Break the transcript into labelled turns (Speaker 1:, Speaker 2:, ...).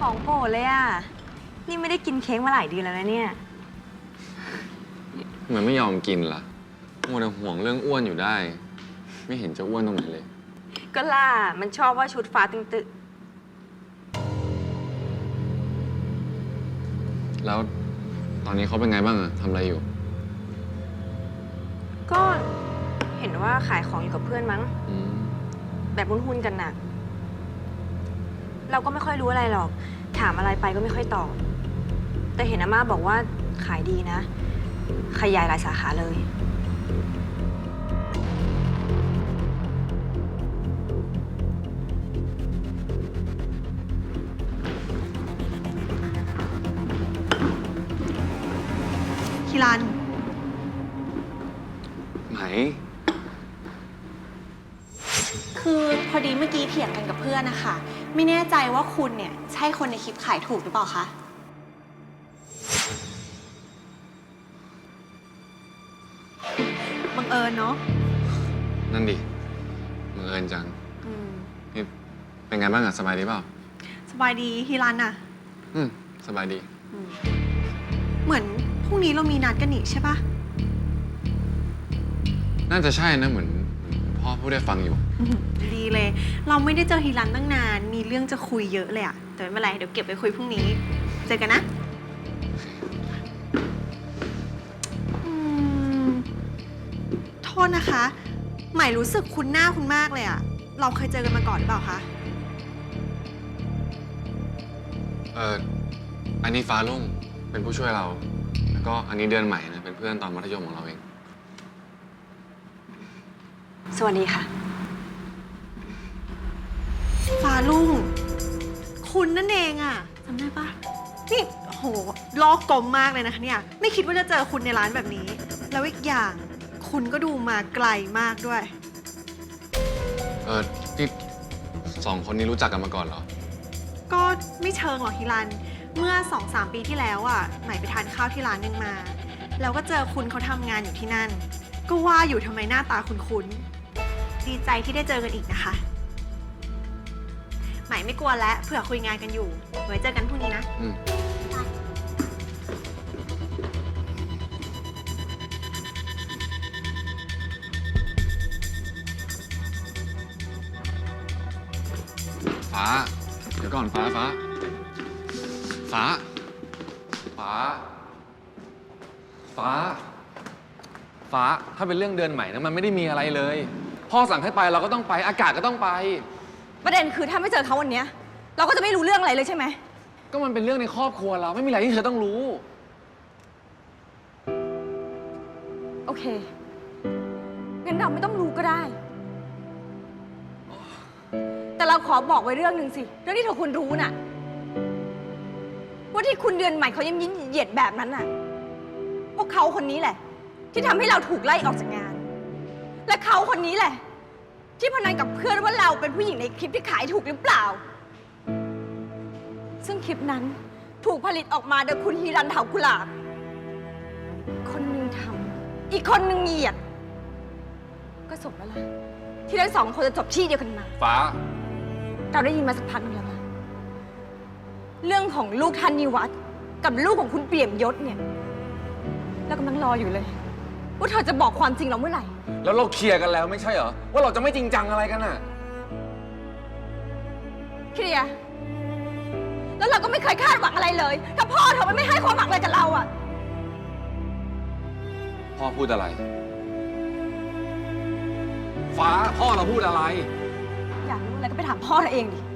Speaker 1: ของโปรดเลยอ่ะ นี่ไม่ได้กินเค้กมาหลายเดือนแล้วนะเนี่ย
Speaker 2: เหมือนไม่ยอมกินล่ะมัวแต่ห่วงเรื่องอ้วนอยู่ได้ ไม่เห็นจะอ้วนตรงไหนเลย
Speaker 1: ก็ล่ามันชอบว่าชุดฟ้าตึงตึก
Speaker 2: แล้วตอนนี้เขาเป็นไงบ้างอะทำอะไรอยู่
Speaker 1: ก็เห็นว่าขายของอยู่กับเพื่อนมั้ง
Speaker 2: อืม
Speaker 1: แบบหุ้นๆกันน่ะ เราก็ไม่ค่อยรู้อะไรหรอก ถามอะไรไปก็ไม่ค่อยตอบ แต่เห็นอาม่าบอกว่าขายดีนะ ขยายหลายสาขาเลย
Speaker 3: คิรัน
Speaker 2: ไหน
Speaker 3: คือพอดีเมื่อกี้เถียงกันกับเพื่อนนะคะ ไม่แน่ใจว่าคุณเนี่ยใช่คนในคลิปขายถูกหรือเปล่าคะ บังเอิญเนาะ
Speaker 2: นั่นดิบังเอิญจังนี่เป็นไงบ้างอะสบายดีเปล่า
Speaker 3: สบายดีฮิรันอะ
Speaker 2: สบายดี
Speaker 3: เหมือนพรุ่งนี้เรามีนัดกันนี่ใช่ปะ
Speaker 2: น่าจะใช่นะเหมือนพ่อพูดได้ฟังอยู่
Speaker 3: ดีเลย เราไม่ได้เจอฮิรันตั้งนาน มีเรื่องจะคุยเยอะเลยอะแต่ไม่เป็นไร เดี๋ยวเก็บไปคุยพรุ่งนี้ เจอกันนะโทษนะคะ ใหม่รู้สึกคุ้นหน้าคุณมากเลยอะเราเคยเจอกันมาก่อนหรือเปล่าคะ
Speaker 2: อันนี้ฟ้าลุ่งเป็นผู้ช่วยเรา แล้วก็อันนี้เดือนใหม่นะเป็นเพื่อนตอนมัธยมของเราเอง
Speaker 1: สวัสดีค่ะ
Speaker 3: ฟ้าลุ่ง คุณนั่นเองอะจำได้ปะนี่โหล้อกลมมากเลยนะคะเนี่ย ไม่คิดว่าจะเจอคุณในร้านแบบนี้ แล้วอีกอย่างคุณก็ดูมาไกลมากด้วย
Speaker 2: นี่สองคนนี้รู้จักกันมาก่อนเหรอ
Speaker 3: ก็ไม่เชิงหรอกฮิรัน เมื่อ 2-3 ปีที่แล้วอ่ะใหม่ไปทานข้าวที่ร้านหนึงมา แล้วก็เจอคุณเขาทำงานอยู่ที่นั่น ก็ว่าอยู่ทำไมหน้าตาคุ้นๆดีใจที่ได้เจอกันอีกนะคะใหม่ไม่กลัวแล้วเผื่อคุยงานกันอยู่ ไว้เจอกันพรุ่งนี้นะ
Speaker 2: ฟ้า เดี๋ยวก่อนฟ้า ฟ้า ฟ้า ฟ้า ฟ้า ฟ้า ถ้าเป็นเรื่องเดือนใหม่นะมันไม่ได้มีอะไรเลย พ่อสั่งให้ไปเราก็ต้องไป อากาศก็ต้องไป
Speaker 1: ประเด็นคือถ้าไม่เจอเขาวันเนี้ยเราก็จะไม่รู้เรื่องอะไรเลยใช่ไหม
Speaker 2: ก็มันเป็นเรื่องในครอบครัวเรา ไม่มีอะไรที่เธอต้องรู้
Speaker 1: โอเค งั้นเราไม่ต้องรู้ก็ได้ แต่เราขอบอกไว้เรื่องหนึ่งสิ เรื่องที่เธอควรรู้น่ะ ว่าที่คุณเดือนใหม่เขายิ้มยิ้มเหยียดแบบนั้นน่ะ พวกเขาคนนี้แหละ ที่ทำให้เราถูกไล่ออกจากงาน และเขาคนนี้แหละ ที่พนันกับเพื่อนว่าเราเป็นผู้หญิงในคลิปที่ขายถูกหรือเปล่า ซึ่งคลิปนั้นถูกผลิตออกมาโดยคุณฮีรันเถากุหลาบ คนหนึ่งทำอีกคนหนึ่งเหยียด ก็สมแล้วล่ะที่ทั้งสองคนจะจบที่เดียวกันมา
Speaker 2: ฟ้า
Speaker 1: เราได้ยินมาสักพักหนึงแล้วนะเรื่องของลูกท่านนิวัฒน์กับลูกของคุณเปี่ยมยศเนี่ยเรากำลังรออยู่เลย ว่าเธอจะบอกความจริงเราเมื่อไหร่
Speaker 2: แล้วเราเคลียร์กันแล้วไม่ใช่เหรอ ว่าเราจะไม่จริงจังอะไรกันน่ะ
Speaker 1: เคลียร์แล้วเราก็ไม่เคยคาดหวังอะไรเลย ถ้าพ่อเธอไม่ให้ความหวังอะไรกับเราอะ
Speaker 2: พ่อพูดอะไร ฟ้า พ่อเราพูดอะไร
Speaker 1: อยากรู้อะไรก็ไปถามพ่อเธอเองดิ